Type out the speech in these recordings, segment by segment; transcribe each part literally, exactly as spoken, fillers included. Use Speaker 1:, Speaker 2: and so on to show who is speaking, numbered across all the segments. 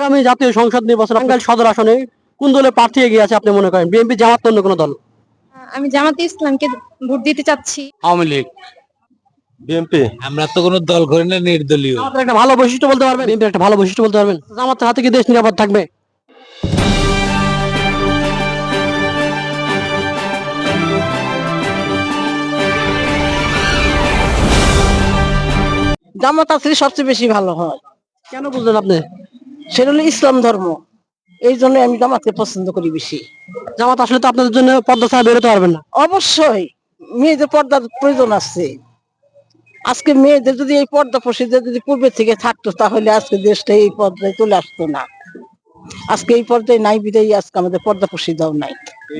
Speaker 1: আগামী জাতীয় সংসদ নির্বাচন টাঙ্গাইল সদর আসনে কোন দলের প্রার্থী এগিয়ে আছে আপনি মনে করেন? বিএনপি, জামাত, অন্য কোনো দল?
Speaker 2: আমি জামাতে ইসলামকে ভোট দিতে চাচ্ছি।
Speaker 3: Awami League,
Speaker 4: BNP.
Speaker 3: আমরা তো কোনো দল করি না, নির্দলীয়।
Speaker 1: জামাতের একটা ভালো বৈশিষ্ট্য বলতে পারবেন? বিএনপির একটা ভালো বৈশিষ্ট্য বলতে পারবেন? জামাতের হাতে কি দেশ নিরাপদ থাকবে?
Speaker 5: জামাত আসলে সবচেয়ে বেশি ভালো হয়।
Speaker 1: কেন বুঝলেন আপনি?
Speaker 5: সেটা হলো ইসলাম ধর্ম, এই জন্য আমি জামাতকে পছন্দ করি বেশি।
Speaker 1: জামাত আসলে তো আপনাদের জন্য পদ্মা ছাড়া বেরোতে পারবেন না।
Speaker 5: অবশ্যই মেয়েদের পর্দার প্রয়োজন আছে। আজকে মেয়েদের যদি এই পর্দা প্রসিদ্ধ যদি পূর্বে থেকে থাকতো, তাহলে আজকে দেশটা এই পর্দায় চলে আসতো না। আজকে এই পর্দায় নাই বিদায় আজকে আমাদের পর্দা প্রসিদ্ধাও নাই।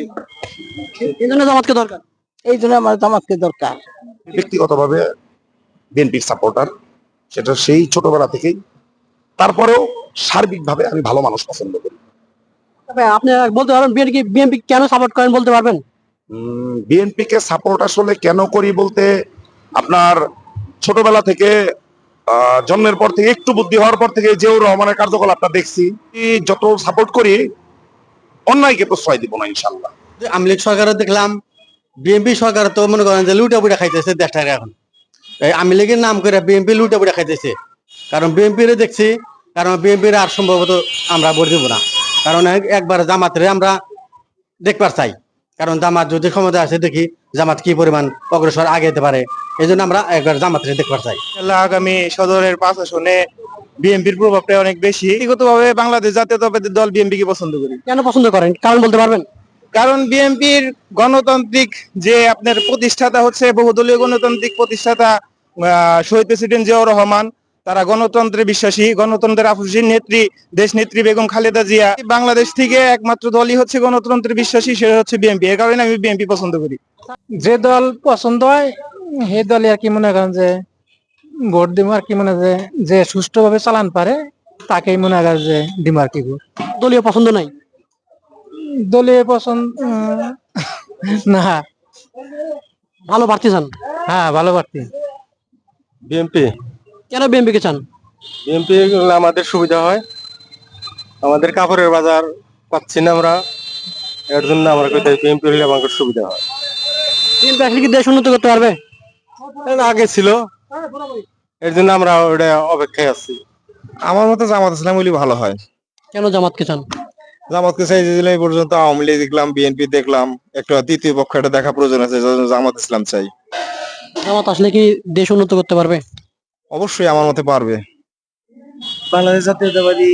Speaker 1: এই জন্য জামাতকে দরকার।
Speaker 5: এই জন্য আমার জামাতকে দরকার।
Speaker 4: ব্যক্তিগতভাবে বিএনপির সাপোর্টার, সেটা সেই ছোটবেলা থেকেই। তারপরেও সার্বিকভাবে আমি ভালো মানুষ পছন্দ করি।
Speaker 1: তবে আপনি বলতে পারবেন বিএনপি বিএনপি কেন সাপোর্ট করেন বলতে পারবেন?
Speaker 4: বিএনপি কে সাপোর্ট আসলে কেন করি বলতে, আপনার ছোটবেলা থেকে আহ, জন্মের পর থেকে একটু বুদ্ধি হওয়ার পর থেকে জিয়াউর রহমানের কার্যকলাপটা দেখছি। যত সাপোর্ট করি, অন্যায়কে প্রশ্রয় দিব না ইনশাল্লাহ।
Speaker 6: আওয়ামী লীগ সরকারও দেখলাম, বিএনপি সরকার তো মনে করেন যে লুটা পুটা খাইতেছে দেশটাকে এখন। এই আওয়ামী লীগের নাম করে বিএনপি লুটা পুটা খাইতেছে। কারণ বিএনপির দেখছি, কারণ বিএনপির আর সম্ভবত আমরা ভোট দেবো না। কারণ একবার জামাতের আমরা দেখবার চাই, কারণ জামাত যদি ক্ষমতা আছে দেখি জামাত কি পরিমাণ অগ্রসর আগে যেতে পারে, এই জন্য আমরা একবার জামাতের দেখবার চাই।
Speaker 7: আগামী সদরের পাঁচ আসনে বিএনপির প্রভাবটা অনেক বেশি। ব্যক্তিগতভাবে বাংলাদেশ জাতীয়তাবাদী দল বিএনপি কে পছন্দ করি।
Speaker 1: কেন পছন্দ করেন, কারণ বলতে পারবেন?
Speaker 7: কারণ বিএনপির গণতান্ত্রিক যে আপনার প্রতিষ্ঠাতা হচ্ছে বহুদলীয় গণতান্ত্রিক প্রতিষ্ঠাতা আহ, শহীদ প্রেসিডেন্ট জিয়াউর রহমান। তারা গণতন্ত্রে বিশ্বাসী, গণতন্ত্রের আফুসী নেত্রী দেশ নেত্রী বেগম খালেদা জিয়া। বাংলাদেশ থেকে একমাত্র দলই হচ্ছে গণতন্ত্রে বিশ্বাসী, সেটা হচ্ছে বিএনপি। এর কারণে আমি বিএনপি পছন্দ করি।
Speaker 8: যে দল পছন্দ হয় সেই দলে আর কি মনে করেন যে ভোট দিব আর কি, মনে যে যে সুষ্ঠুভাবে চালান পারে তাকেই মনে করেন যে দিব আর কি ভোট।
Speaker 1: দলীয় পছন্দ নাই?
Speaker 8: দলীয় পছন্দ উম, না।
Speaker 1: ভালো প্রার্থী চান?
Speaker 8: হ্যাঁ, ভালো প্রার্থী।
Speaker 4: বিএনপি।
Speaker 1: কেন বিএনপি কে চান?
Speaker 4: বিএনপি আমাদের সুবিধা হয়, আমাদের কাপড়ের বাজার পাচ্ছি না আমরা, এর জন্য আমরা কোথায় বিএনপি হলে আমাদের সুবিধা হয়।
Speaker 1: বিএনপি আসলে কি দেশ উন্নত করতে পারবে?
Speaker 4: এর আগে ছিল, এর জন্য আমরা ওটা অপেক্ষায় আছি। আমার মতে জামাত ইসলাম হলে ভালো হয়।
Speaker 1: কেন জামাতকে চান?
Speaker 4: জামাতকে চাই যে এই পর্যন্ত আওয়ামী লীগ দেখলাম, বিএনপি দেখলাম, একটা তৃতীয় পক্ষ একটা দেখা প্রয়োজন আছে, যার জন্য জামাত ইসলাম চাই।
Speaker 1: জামাত আসলে কি দেশ উন্নত করতে পারবে?
Speaker 4: অবশ্যই আমার মতে পারবে।
Speaker 8: বাংলাদেশ জাতীয়তাবাদী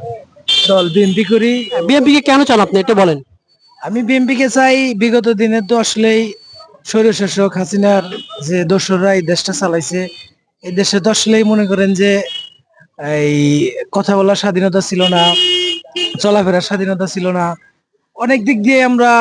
Speaker 8: দল বিএনপি করি।
Speaker 1: বিএনপি কে কেন চান আপনি এটা বলেন?
Speaker 8: আমি বিএনপি কে চাই, বিগত দিনে তো আসলেই স্বৈরশাসক হাসিনার যে দোসররা এই দেশটা চালাইছে, এই দেশে তো আসলেই মনে করেন যে এই কথা বলার স্বাধীনতা ছিল না, চলাফেরার স্বাধীনতা ছিল না, অনেক দিক দিয়ে আমরা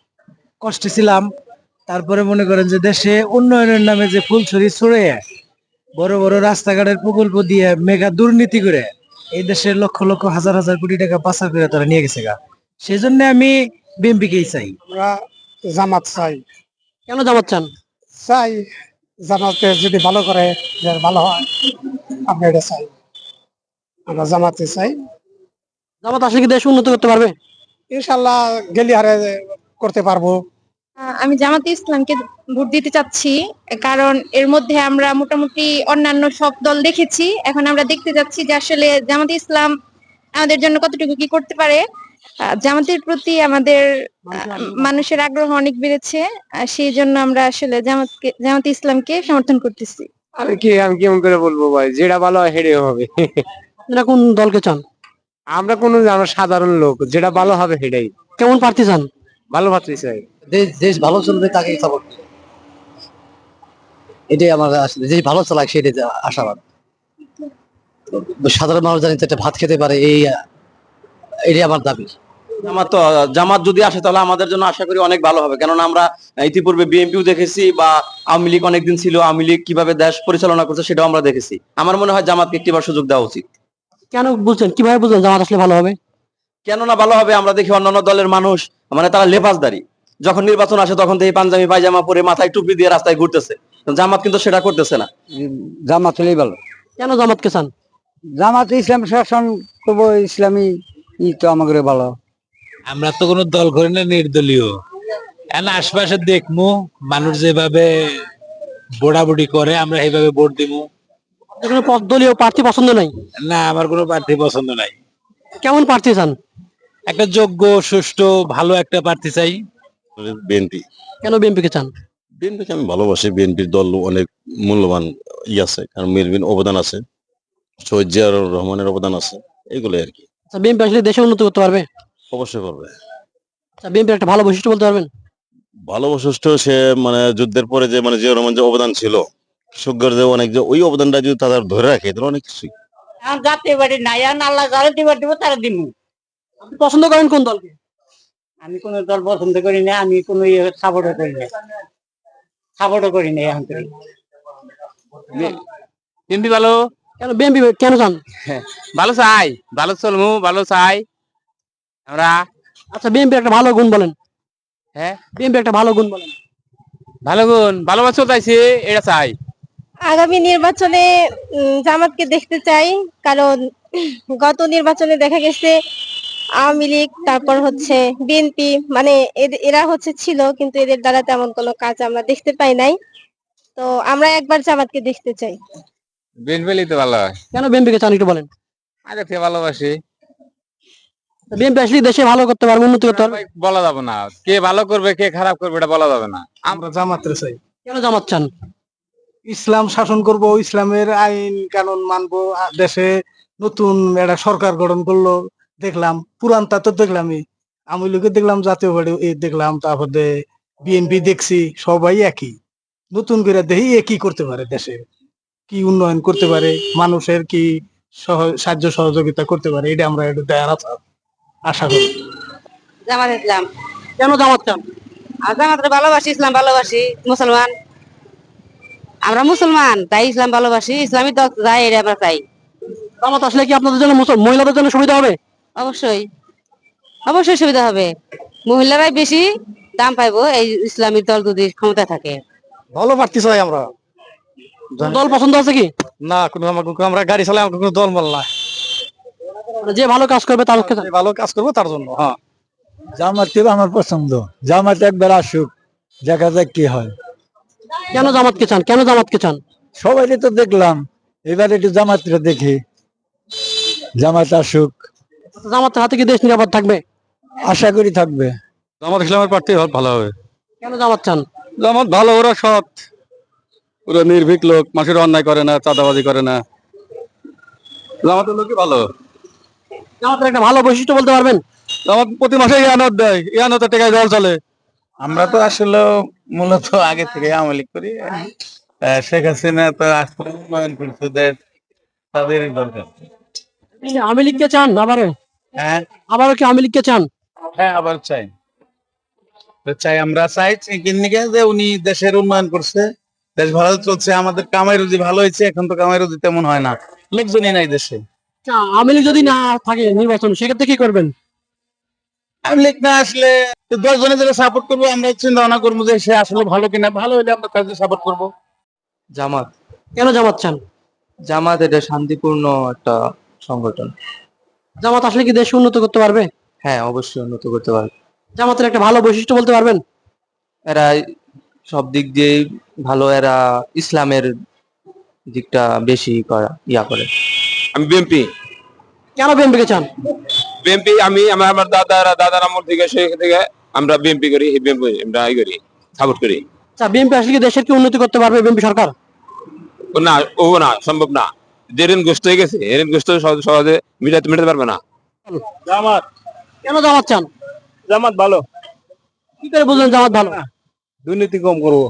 Speaker 8: কষ্টে ছিলাম। তারপরে মনে করেন যে দেশে উন্নয়নের নামে যে ফুলছড়ি ছড়ে বড় বড় রাস্তাঘাটের প্রকল্প দিয়ে মেগা দুর্নীতি করে এই দেশের লক্ষ লক্ষ হাজার হাজার কোটি টাকা পাচার করে তারা নিয়ে গেছে গা। সেই জন্য আমি বিএনপি কেই চাই।
Speaker 9: আমরা জামাত চাই।
Speaker 1: কেন জামাত চান?
Speaker 9: চাই জামাতে যদি ভালো করে যে ভালো হয়, আমরা এটা চাই। আমরা জামাতে চাই।
Speaker 1: জামাত আসলে কি দেশ উন্নত করতে পারবে?
Speaker 9: ইনশাল্লাহ গেলি হারে করতে পারবো।
Speaker 2: আহ, আমি জামাতে ইসলামকে ভোট দিতে চাচ্ছি, কারণ এর মধ্যে আমরা মোটামুটি অন্যান্য সব দল দেখেছি। এখন আমরা দেখতে যাচ্ছি যে আসলে জামাতে ইসলাম আমাদের জন্য কতটুকু কি করতে পারে। আহ, জামাতের প্রতি আমাদের আহ, মানুষের আগ্রহ অনেক বেড়েছে। আহ, সেই জন্য আমরা আসলে জামাতকে জামাতে ইসলামকে সমর্থন করতেছি।
Speaker 7: আমি কি আমি কেমন করে বলবো ভাই, যেটা ভালো হয় হেরে হবে।
Speaker 1: আপনারা কোন দলকে চান?
Speaker 7: আমরা কোন আমরা সাধারণ লোক, যেটা ভালো হবে সেটাই।
Speaker 1: কেমন প্রার্থী চান?
Speaker 7: ভালো ভাবতে চাই।
Speaker 6: দেশ দেশ ভালো চলবে তাকেই সাপোর্ট, এটাই আমার আসলে দেশ ভালো চালাক সেটাই আশাবাদ। সাধারণ মানুষ জানি একটা ভাত খেতে পারে, এই এটাই আমার দাবি।
Speaker 10: জামাত তো জামাত যদি আসে তাহলে আমাদের জন্য আশা করি অনেক ভালো হবে, কেননা আমরা ইতিপূর্বে বিএনপিও দেখেছি বা আওয়ামী লীগ অনেকদিন ছিল, আওয়ামী লীগ কিভাবে দেশ পরিচালনা করছে সেটাও আমরা দেখেছি। আমার মনে হয় জামাতকে একটিবার সুযোগ দেওয়া উচিত।
Speaker 1: কেন বুঝছেন, কিভাবে বুঝলেন জামাত আসলে ভালো হবে?
Speaker 10: কেননা ভালো হবে, আমরা দেখি অন্যান্য দলের মানুষ মানে তারা লেবাসদারি, যখন নির্বাচন আসে তখন থেকে পাঞ্জাবি পায়জামা পরে মাথায় টুপি দিয়ে রাস্তায় ঘুরতেছে। জামাত কিন্তু সেটা করতেছে না।
Speaker 6: জামাত হলেই ভালো।
Speaker 1: কেন জামাতকে চান?
Speaker 5: জামাত ইসলাম শাসন করবো, ইসলামী ই তো আমাদের ভালো।
Speaker 3: আমরা তো কোনো দল করি না, নির্দলীয়। এখন আশপাশে দেখমু মানুষ যেভাবে বোড়াবুড়ি করে, আমরা এইভাবে ভোট দিমু।
Speaker 1: আপনার কোনো পদ- দলীয় প্রার্থী পছন্দ নাই?
Speaker 3: না, আমার কোনো প্রার্থী পছন্দ নাই।
Speaker 1: কেমন প্রার্থী চান?
Speaker 3: একটা যোগ্য, সুষ্ঠু, ভালো একটা প্রার্থী চাই।
Speaker 11: বিএনপি
Speaker 1: কেন বিএনপি কে চান?
Speaker 11: বিএনপিকে আমি ভালোবাসি। বিএনপির দল অনেক মূল্যবান ই আছে, কারণ বিএনপির অবদান আছে, শহীদ জিয়াউর রহমানের অবদান আছে, এগুলো আর কি।
Speaker 1: আচ্ছা, বিএনপি আসলে দেশে উন্নতি করতে পারবে?
Speaker 11: অবশ্যই করবে।
Speaker 1: আচ্ছা, বিএনপির একটা ভালো বৈশিষ্ট্য বলতে পারবেন?
Speaker 11: ভালো বৈশিষ্ট্য, সে মানে যুদ্ধের পরে যে মানে জিয়াউর রহমান যে অবদান ছিল, কৃষকদের যে অনেক, যে ওই অবদানটা যদি তারা ধরে রাখে, তাহলে অনেক কিছুই।
Speaker 5: জাতীয় বাড়ি নাই, আল্লাহ যারা দিবার দিব তারা দিব।
Speaker 1: আপনি পছন্দ করেন কোন দলকে?
Speaker 5: আমি কোন দল পছন্দ করি না, আমি কোন সাপোর্টও করি না, সাপোর্টও করি না এখন থেকে।
Speaker 7: বিএনপি ভালো,
Speaker 1: কেন বিএনপি কেন চান?
Speaker 7: ভালো চাই, ভালো চলমু, ভালো চাই আমরা।
Speaker 1: আচ্ছা, বিএনপি একটা ভালো গুণ বলেন।
Speaker 7: হ্যাঁ,
Speaker 1: বিএনপি একটা ভালো গুণ বলেন।
Speaker 7: ভালো গুণ, ভালোবাসা চলতেছে, এটা চাই।
Speaker 2: আগামী নির্বাচনে উম, জামাতকে দেখতে চাই, কারণ গত নির্বাচনে দেখা গেছে আওয়ামী লীগ, তারপর হচ্ছে বিএনপি, মানে এদ- এরা হচ্ছে ছিল, কিন্তু এদের দ্বারা তেমন কোনো কাজ আমরা দেখতে পাই নাই। তো আমরা একবার জামাতকে দেখতে চাই।
Speaker 7: বিএনপি তো ভালো হয়,
Speaker 1: কেন বিএনপি কে চান একটু বলেন।
Speaker 7: আগে থেকে ভালোবাসি।
Speaker 1: বিএনপি আসলে দেশে ভালো করতে পারবে, উন্নতি করতে পারবে?
Speaker 7: বলা যাবে না কে ভালো করবে কে খারাপ করবে, এটা বলা যাবে না।
Speaker 8: আমরা জামাতের চাই।
Speaker 1: কেন জামাত চান?
Speaker 8: ইসলাম শাসন করব, ইসলামের আইন কানুন মানবো। আ- দেশে নতুন একটা সরকার গঠন করলো, দেখলাম পুরানটা তো দেখলামই, আওয়ামী লীগের দেখলাম, জাতীয় পার্টি এ দেখলাম, তারপরে বিএনপি দেখছি, সবাই একই। নতুন করে দেখি এ কি করতে পারে, দেশে কি উন্নয়ন করতে পারে, মানুষের কি সহ- সাহায্য সহযোগিতা করতে পারে, এটা আমরা একটু দেখার আশা- আশা করি।
Speaker 5: জামাত ইসলাম,
Speaker 1: কেন জামাত চান?
Speaker 5: আর জামাতরে ভালোবাসি, ইসলাম ভালোবাসি, মুসলমান আমরা, মুসলমান তাই ইসলাম ভালোবাসি, ইসলামী দল যাই এটা আমরা চাই।
Speaker 1: জামাত আসলে কি আপনাদের জন্য, মুসল- মহিলাদের জন্য সুবিধা হবে?
Speaker 5: অবশ্যই, অবশ্যই সুবিধা হবে, মহিলারাই বেশি দাম পাইবো এই ইসলামী দল যদি ক্ষমতা থাকে।
Speaker 6: ভালো প্রার্থী চাই আমরা।
Speaker 1: দল পছন্দ আছে কি?
Speaker 6: না, কোনো আমাকে, আমরা গাড়ি চালাই, আমাকে কোনো দল মল না।
Speaker 1: মানে যে ভালো কাজ করবে তার
Speaker 6: যে ভালো কাজ করবো তার জন্য। হ্যাঁ,
Speaker 8: জামাত আমার পছন্দ, জামাত একবার আসুক, দেখা যাক কি হয়।
Speaker 1: কেন জামাতকে চান? কেন জামাতকে চান?
Speaker 8: সবাই তো দেখলাম, এবার একটু জামাতটা দেখি, জামাত আসুক,
Speaker 1: জামাতের হাতে কি দেশ নিরাপদ থাকবে?
Speaker 8: আশা করি থাকবে।
Speaker 6: জামাত ইসলামের প্রার্থী ভালো হবে।
Speaker 1: কেন জামাত চান?
Speaker 6: জামাত ভালো, ওরা সৎ, ওরা নির্ভীক লোক, মানুষের অন্যায় করে না, চাঁদাবাজি করে না, জামাতের লোকই ভালো।
Speaker 1: জামাতের একটা ভালো বৈশিষ্ট্য বলতে পারবেন?
Speaker 6: জামাত প্রতি মাসে ইয়ানত দেয়, ইয়ানতের টাকায় দল চলে।
Speaker 7: আমরা তো আসলে মূলত আগে থেকে আওয়ামী লীগ করি। আহ, শেখ হাসিনা তো আসলে উন্নয়ন করছে দেশ, তাদেরই দরকার।
Speaker 1: আওয়ামী লীগকে চান আবারও?
Speaker 7: হ্যাঁ,
Speaker 1: আবারও কি আওয়ামী লীগকে চান?
Speaker 7: হ্যাঁ, আবার চাই, তো চাই, আমরা চাই কিনিকে যে উনি দেশের উন্নয়ন করছে, দেশ ভালো চলছে, আমাদের কামাই রুজি ভালো হয়েছে। এখন তো কামাই রুজি তেমন হয় না, লোকজনই নাই দেশে।
Speaker 1: আচ্ছা, আওয়ামী লীগ যদি না থাকে নির্বাচন, সেক্ষেত্রে কি করবেন?
Speaker 7: আওয়ামী লীগ না আসলে দশ জনে যারা সাপোর্ট করবো, আমরা চিন্তা ভাবনা করবো যে সে আসলে ভালো কিনা, ভালো হলে আমরা তাকে সাপোর্ট করবো।
Speaker 10: জামাত।
Speaker 1: কেন জামাত চান?
Speaker 10: জামাত এটা শান্তিপূর্ণ একটা সংগঠন।
Speaker 1: জামাত আসলে কি দেশ উন্নত করতে পারবে?
Speaker 10: হ্যাঁ, অবশ্যই উন্নত করতে পারবে।
Speaker 1: জামাতের একটা ভালো বৈশিষ্ট্য বলতে পারবেন?
Speaker 10: এরা সব দিক দিয়ে ভালো, এরা ইসলামের দিকটা বেশি করা ইয়া করে।
Speaker 7: আমি বিএনপি,
Speaker 1: কেন বিএনপি কে চান?
Speaker 7: বিএনপি আমি আমার আমার দাদারা দাদার আমল থেকে সেই থেকে আমরা বিএনপি করি, বিএনপি আমরা ই করি, সাপোর্ট করি।
Speaker 1: আচ্ছা, বিএনপি আসলে কি দেশের কি উন্নতি করতে পারবে বিএনপি সরকার?
Speaker 7: ও না, ও না, সম্ভব না। যে ঋণ গ্রস্ত হয়ে গেছে, ঋণ গ্রস্ত সহজে সহজে মিটাতে মিটাতে পারবে না।
Speaker 8: জামাত,
Speaker 1: কেন জামাত চান?
Speaker 8: জামাত ভালো,
Speaker 1: কি করে বুঝলেন জামাত ভালো?
Speaker 8: দুর্নীতি কম করবো।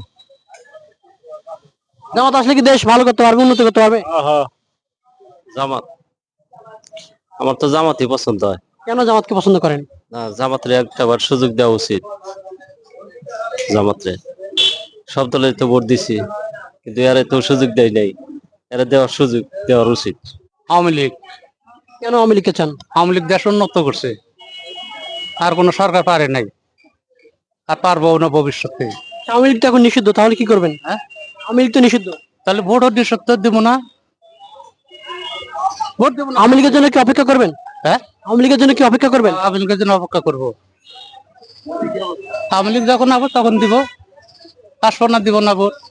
Speaker 1: জামাত আসলে কি দেশ ভালো করতে পারবে, উন্নতি করতে পারবে?
Speaker 10: জামাত, আমার তো জামাতই পছন্দ হয়।
Speaker 1: কেন জামাতকে পছন্দ করেন?
Speaker 10: না, জামাতের একটাবার সুযোগ দেওয়া উচিত। জামাতে সব দলে তো ভোট দিছি, কিন্তু এরা তো সুযোগ দেয় নাই, এরা দেওয়ার সুযোগ দেওয়ার উচিত।
Speaker 6: আওয়ামী লীগ,
Speaker 1: কেন আওয়ামী লীগকে চান?
Speaker 6: আওয়ামী লীগ দেশ উন্নত করছে, আর কোন সরকার পারে নাই, আর পারবো না ভবিষ্যতে।
Speaker 1: আওয়ামী লীগ তো এখন নিষিদ্ধ, তাহলে কি করবেন?
Speaker 6: হ্যাঁ,
Speaker 1: আওয়ামী লীগ তো নিষিদ্ধ।
Speaker 6: তাহলে ভোট নিঃসত্তর দিব না,
Speaker 1: ভোট দেবো আওয়ামী লীগের জন্য কি অপেক্ষা করবেন?
Speaker 6: হ্যাঁ
Speaker 1: আওয়ামী লীগের জন্য কি অপেক্ষা করবেন?
Speaker 6: আওয়ামী লীগের জন্য অপেক্ষা করবো। আওয়ামী লীগ যখন আবো তখন দিব, আসবো না দিব না ভোট।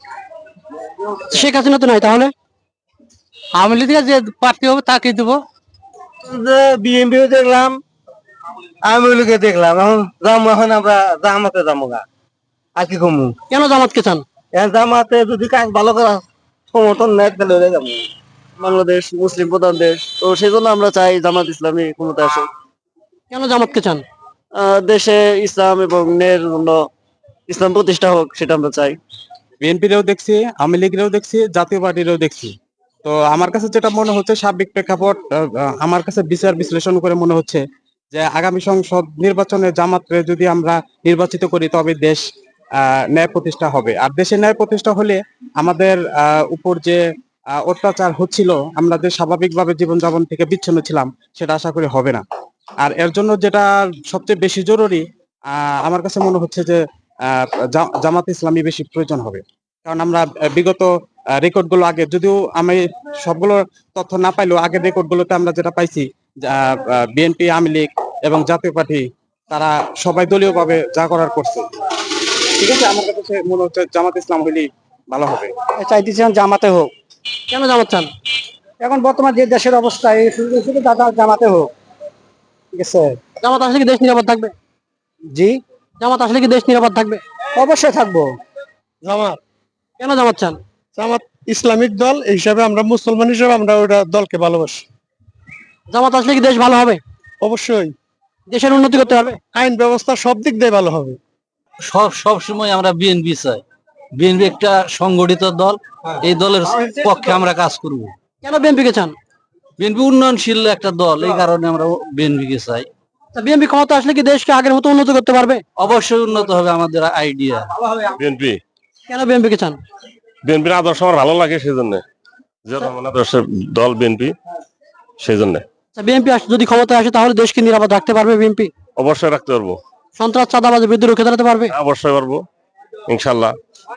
Speaker 1: শেখ হাসিনা তো নাই, তাহলে
Speaker 6: আওয়ামী লীগের যে প্রার্থী হবে তাকে দিব।
Speaker 7: বিএনপি দেখলাম, আওয়ামী লীগে দেখলাম, এখন যাবো, এখন আমরা জামাতে যাবো গা, আর কি কমু।
Speaker 1: কেন জামাতকে চান?
Speaker 7: এখন জামাতে যদি কাজ ভালো করা সমর্থন নেয় তাহলে হয়ে যাবো। বাংলাদেশ মুসলিম প্রধান দেশ, তো সেই জন্য আমরা চাই জামাত ইসলামী ক্ষমতা আসে।
Speaker 1: কেন জামাতকে চান?
Speaker 7: আহ, দেশে ইসলাম এবং ন্যায়ের জন্য ইসলাম প্রতিষ্ঠা হোক, সেটা আমরা চাই।
Speaker 6: বিএনপিরও দেখছি, আওয়ামী লীগেরও দেখছি, জাতীয় পার্টিরও দেখছি। তো আমার কাছে যেটা মনে হচ্ছে, সার্বিক প্রেক্ষাপট আহ, আমার কাছে বিচার বিশ্লেষণ করে মনে হচ্ছে যে আগামী সংসদ নির্বাচনে জামাতরে যদি আমরা নির্বাচিত করি তবে দেশ আহ, ন্যায় প্রতিষ্ঠা হবে। আর দেশে ন্যায় প্রতিষ্ঠা হলে আমাদের আহ, উপর যে আহ, অত্যাচার হচ্ছিল, আমরা যে স্বাভাবিকভাবে জীবনযাপন থেকে বিচ্ছিন্ন ছিলাম, সেটা আশা করি হবে না। আর এর জন্য যেটা সবচেয়ে বেশি জরুরি, আহ, আমার কাছে মনে হচ্ছে যে আহ, জা- জামাত ইসলামী বেশি প্রয়োজন হবে। কারণ আমরা আহ, বিগত রেকর্ড গুলো আগে, যদিও আমি সবগুলো তথ্য না পাইলেও আগের রেকর্ড গুলোতে আমরা যেটা পাইছি, বিএনপি, আওয়ামী লীগ এবং জাতীয় পার্টি তারা সবাই দলীয় ভাবে যা করার করছে। ঠিক আছে, আমার কাছে মনে হচ্ছে জামাত ইসলাম হইলেই ভালো হবে।
Speaker 7: চাইতেছিলাম জামাতে হোক।
Speaker 1: কেন জামাত চান?
Speaker 7: এখন বর্তমান যে দেশের অবস্থা, এই সুযোগ সুযোগ দাদা জামাতে হোক। ঠিক আছে।
Speaker 1: জামাত আসলে কি দেশ নিরাপদ থাকবে?
Speaker 7: জি,
Speaker 1: জামাত আসলে কি দেশ নিরাপদ থাকবে?
Speaker 7: অবশ্যই থাকবো।
Speaker 9: জামাত
Speaker 1: কেন জামাত চান?
Speaker 9: জামাত ইসলামিক দল, এই হিসাবে আমরা মুসলমান হিসেবে আমরা ওটা দলকে ভালোবাসি।
Speaker 1: জামাত আসলে কি দেশ ভালো হবে?
Speaker 9: অবশ্যই
Speaker 1: দেশের উন্নতি করতে হবে?
Speaker 9: আইন ব্যবস্থা সব দিক দিয়ে ভালো হবে।
Speaker 3: সব সব সময় আমরা বিএনপি চাই। বিএনপি একটা সংগঠিত দল, এই দলের পক্ষে আমরা কাজ করব।
Speaker 1: কেন বিএনপি কে চান?
Speaker 3: বিএনপি উন্নয়নশীল একটা দল, এই কারণে আমরা বিএনপি কে চাই।
Speaker 1: বিএনপি ক্ষমতা আসলে কি দেশকে আগের মতো উন্নত করতে পারবে?
Speaker 3: অবশ্যই উন্নত হবে আমাদের আইডিয়া।
Speaker 11: বিএনপি
Speaker 1: কেন বিএনপি কে চান?
Speaker 11: বিএনপির আদর্শ আমার ভালো লাগে, সেই জন্য যে আদর্শের দল বিএনপি, সেই জন্য
Speaker 1: বিএনপি যদি ক্ষমতায় আসে তাহলে দেশকে নিরাপদ রাখতে পারবে বিএনপি?
Speaker 11: অবশ্যই রাখতে পারবো।
Speaker 1: সন্ত্রাস চাঁদাবাজের বিরুদ্ধে রুখে দাঁড়াতে পারবে?
Speaker 11: অবশ্যই পারবো, ইনশাল্লাহ।